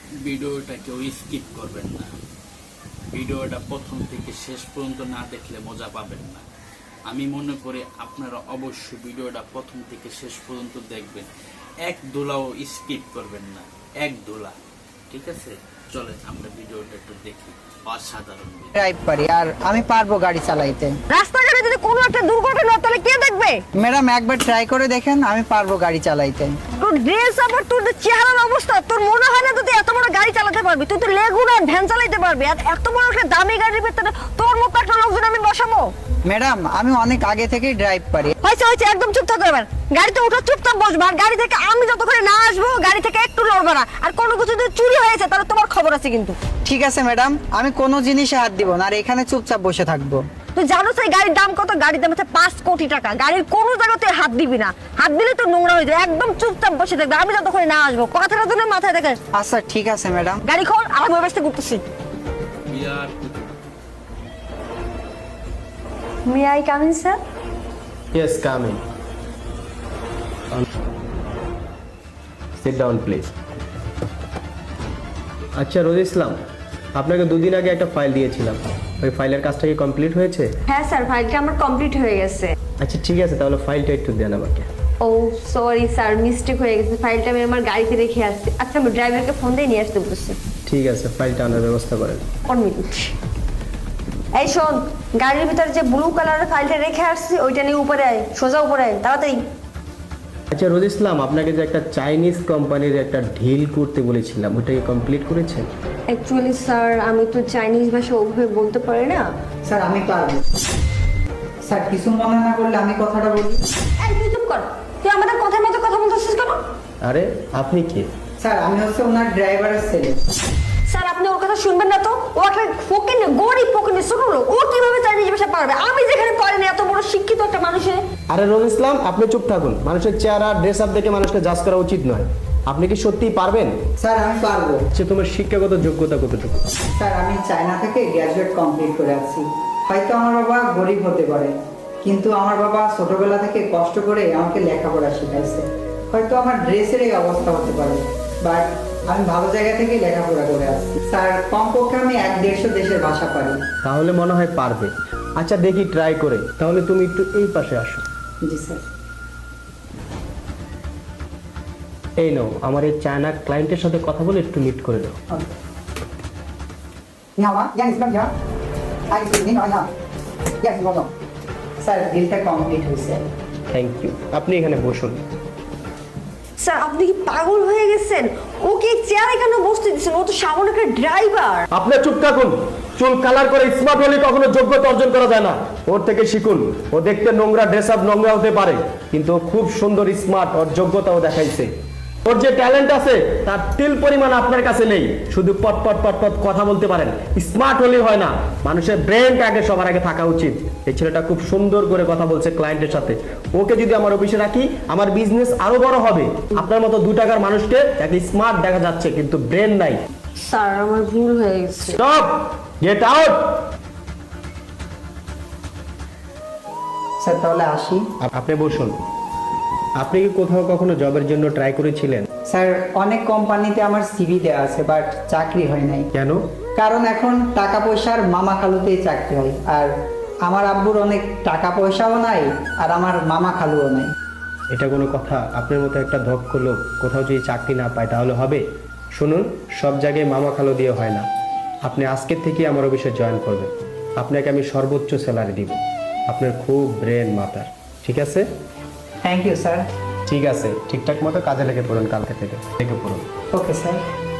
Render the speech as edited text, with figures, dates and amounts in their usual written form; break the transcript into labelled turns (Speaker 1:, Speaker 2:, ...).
Speaker 1: ভিডিওটা কেউ স্কিপ করবেন না। ভিডিওটা প্রথম থেকে শেষ পর্যন্ত না দেখলে মজা পাবেন না। আমি মনে করি আপনারা অবশ্যই ভিডিওটা প্রথম থেকে শেষ পর্যন্ত দেখবেন, এক দোলাও স্কিপ করবেন না, এক দোলা। ঠিক আছে, চলেন আমরা ভিডিওটা একটু দেখি। অসাধারণ
Speaker 2: ড্রাইভ পারি আর আমি পারবো গাড়ি চালাইতে।
Speaker 3: রাস্তাঘাটে যদি কোনো একটা দুর্ঘটনা হয় তাহলে কে দেখবে?
Speaker 2: ম্যাডাম একবার ট্রাই করে দেখেন, আমি পারবো গাড়ি চালাইতে।
Speaker 3: তোর ড্রেস আবার তোর যে চেহারার অবস্থা, তোর মনে হয় না তুই এত বড় গাড়ি চালাতে পারবি? তুই তো লেগুনা ভ্যান চালাতে পারবি, আর এত বড় একটা দামি গাড়ির ভিতরে তোর মতো একটা লোকজন আমি বসাবো?
Speaker 2: ম্যাডাম আমি অনেক আগে থেকেই ড্রাইভ পারি।
Speaker 3: হয়েছে একদম চুপ থাকো। এবার গাড়িতে উঠো, চুপচাপ বসবা। আর গাড়ি থেকে আমি যতক্ষণ না আসবো গাড়ি থেকে একটু লড়বা না। আর কোনো কিছু যদি চুরি হয়েছে তাহলে তোমার খবর আছে কিন্তু।
Speaker 2: ঠিক আছে ম্যাডাম, আমি কোনো জিনিসে হাত দিব না আর এখানে চুপচাপ বসে থাকবো।
Speaker 3: তুই জানো সেই গাড়ির দাম কত? গাড়ির দাম হচ্ছে 5 কোটি টাকা। গাড়ির কোনো জায়গায় তুই হাত দিবি না, হাত দিলে তো নোংরা হয়ে যায়। একদম চুপচাপ বসে থাকবে, আমি যতক্ষণ না আসবো। কথাটা তো মাথায় দেখে।
Speaker 2: আচ্ছা ঠিক আছে ম্যাডাম।
Speaker 3: গাড়ি খোল, আমি ব্যবস্থা করতেছি।
Speaker 1: বিয়ার
Speaker 3: may I come in sir?
Speaker 4: Yes, come in. Sit down, please. আচ্ছা রোজ ইসলাম, আপনাকে দুদিন আগে একটা ফাইল দিয়েছিলাম, ওই ফাইলের কাজটা কি কমপ্লিট হয়েছে?
Speaker 5: হ্যাঁ স্যার, ফাইলটা আমার কমপ্লিট হয়ে গেছে।
Speaker 4: আচ্ছা ঠিক আছে, তাহলে ফাইলটা একটু দেন আমাকে।
Speaker 5: ও সরি স্যার, মিস্টেক হয়ে গেছে। ফাইলটা আমি আমার গাড়িতে রেখে আসছি। আচ্ছা আমি ড্রাইভারকে ফোন দিয়ে নিয়ে আসতে বলছি।
Speaker 4: ঠিক আছে, ফাইলটা আনার ব্যবস্থা করেন।
Speaker 5: 1 মিনিট। এই শোন, গাড়ির ভিতরে যে ব্লু কালারের ফাইলটা রেখে আসছি ওইটা নিয়ে উপরে আয়, সোজা উপরে আয় তাড়াতাড়ি।
Speaker 4: আচ্ছা রোজ ইসলাম, আপনাকে যে একটা চাইনিজ কোম্পানির একটা ডিল করতে বলেছিলাম, ওটাকে কমপ্লিট করেছেন?
Speaker 5: অ্যাকচুয়ালি স্যার আমি তো চাইনিজ ভাষা ওভাবে বলতে পারি না।
Speaker 2: স্যার আমি পারবো। স্যার কিছু মনে না করলে আমি কথাটা বলি।
Speaker 5: এই তুই চুপ কর, তুই আমাদের কথার মতো কথা বলতেছিস কেন?
Speaker 4: আরে আপনি কে?
Speaker 2: স্যার আমি হচ্ছে ওনার ড্রাইভারের ছেলে।
Speaker 5: স্যার আপনি ওর কথা শুনবেন না তো। ও একটা ফকির, গরিব ফকির, ছোট লোক। ও কিভাবে চাইনিজ ভাষা পারবে? আমি যেখানে পারি না, এত বড় শিক্ষিত একটা মানুষে।
Speaker 4: আরে রোজ ইসলাম, আপনি চুপ থাকুন। মানুষের চেহারা ড্রেস আপ দেখে মানুষকে জাজ করা উচিত নয়। আপনি কি সত্যিই পারবেন?
Speaker 2: স্যার আমি পারবো।
Speaker 4: আচ্ছা তোমার শিক্ষাগত যোগ্যতা কতটুকু?
Speaker 2: স্যার আমি চায়না থেকে গ্র্যাজুয়েট কমপ্লিট করে আসছি। হয়তো আমার বাবা গরিব হতে পারে, কিন্তু আমার বাবা ছোটবেলা থেকে কষ্ট করে আমাকে লেখাপড়া শিখাইছে। হয়তো আমার ড্রেসের এই অবস্থা হতে পারে, বাট আমি ভালো জায়গা থেকে লেখাপড়া করে আসছি। স্যার কমপক্ষে আমি 1-150 দেশের ভাষা পারি।
Speaker 4: তাহলে মনে হয় পারবে। আচ্ছা দেখি ট্রাই করে। তাহলে তুমি একটু এই পাশে আসো।
Speaker 2: জি স্যার।
Speaker 4: এই নাও, আমার এই চায়না ক্লায়েন্টের সাথে কথা বলে একটু মিট করে দাও।
Speaker 2: 你好吗？杨女士，你好。哎，您好，你好。杨女士，我স্যার ডিলটা কমপ্লিট হয়েছে।
Speaker 4: Thank you. আপনি এখানে বসুন।
Speaker 5: স্যার আপনি কি পাগল হয়ে গেছেন? ওকে চেয়ারে কেন বসতে দিচ্ছেন? ও তো সামান্য একটা ড্রাইভার।
Speaker 4: আপনি চুপ থাকুন। চুল কালার করে স্মার্ট হলে কখনো যোগ্যতা অর্জন করা যায় না। ওর থেকে শিখুন। ও দেখতে নোংরা, ড্রেস আপ নোংরা হতে পারে, কিন্তু ও খুব সুন্দর, স্মার্ট। ওর যোগ্যতাও দেখাইছে। ওর যে ট্যালেন্ট আছে তার তিল পরিমাণ আপনার কাছে নেই। শুধু পট পট পট পট কথা বলতে পারেন। স্মার্ট হলেই হয় না, মানুষের ব্রেনটা আগে সবার আগে থাকা উচিত। এই ছেলেটা খুব সুন্দর করে কথা বলছে ক্লায়েন্টের সাথে। ওকে যদি আমার অফিসে রাখি, আমার বিজনেস আরো বড় হবে। আপনার মতো 2 টাকার মানুষকে একটা স্মার্ট দেখা যাচ্ছে, কিন্তু ব্রেন নাই।
Speaker 5: স্যার আমার ভুল হয়ে গেছে।
Speaker 4: Stop, get out.
Speaker 2: স্যার তাহলে আসি।
Speaker 4: আপনি বসুন। আপনি কি কোথাও কখনো জবের জন্য ট্রাই করেছিলেন?
Speaker 2: স্যার অনেক কোম্পানিতে আমার সিভি দেওয়া আছে, বাট চাকরি হয় নাই।
Speaker 4: কেন?
Speaker 2: কারণ এখন টাকা পয়সার মামা খালুতেই চাকরি হয়, আর আমার আব্বুর অনেক টাকা পয়সাও নাই, আর আমার মামা খালুও নাই।
Speaker 4: এটা কোনো কথা? আপনার মতো একটা দক্ষ লোক কোথাও যদি চাকরি না পায় তাহলে হবে? শুনুন, সব জায়গায় মামা খালু দিয়ে হয় না। আপনি আজকের থেকে আমার অফিসে জয়েন করবেন। আপনাকে আমি সর্বোচ্চ স্যালারি দিব। আপনার খুব ব্রেন মাথার, ঠিক আছে?
Speaker 2: Thank you sir.
Speaker 4: ঠিক আছে, ঠিকঠাক মতো কাজে লেগে পড়ুন। কালকে থেকে লেগে পড়ুন।
Speaker 2: Okay sir.